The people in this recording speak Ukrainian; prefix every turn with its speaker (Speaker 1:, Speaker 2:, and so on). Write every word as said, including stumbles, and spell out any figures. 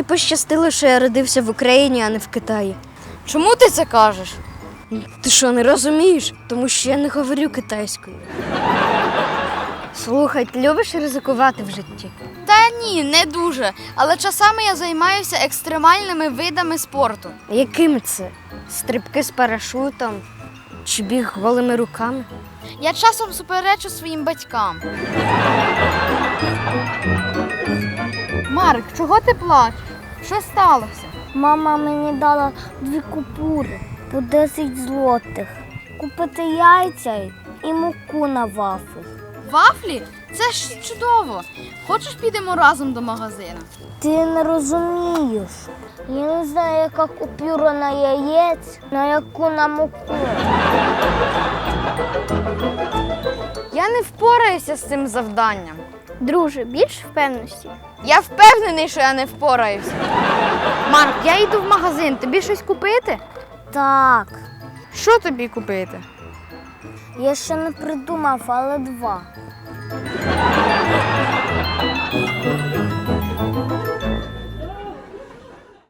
Speaker 1: Мені пощастило, що я родився в Україні, а не в Китаї.
Speaker 2: Чому ти це кажеш?
Speaker 1: Ти що, не розумієш? Тому що я не говорю китайською. Слухай, ти любиш ризикувати в житті?
Speaker 2: Та ні, не дуже. Але часами я займаюся екстремальними видами спорту.
Speaker 1: Якими це? Стрибки з парашутом? Чи біг голими руками?
Speaker 2: Я часом суперечу своїм батькам. Марк, чого ти плачеш? Що сталося?
Speaker 3: Мама мені дала дві купюри по десять злотих. Купити яйця і муку на вафлі.
Speaker 2: Вафлі? Це ж чудово. Хочеш, підемо разом до магазину?
Speaker 3: Ти не розумієш. Я не знаю, яка купюра на яєць, на яку на муку.
Speaker 2: Я не впораюся з цим завданням.
Speaker 3: Друже, більш впевненості.
Speaker 2: Я впевнений, що я не впораюся. Марк, я йду в магазин. Тобі щось купити?
Speaker 3: Так,
Speaker 2: Що тобі купити?
Speaker 3: я ще не придумав, але два.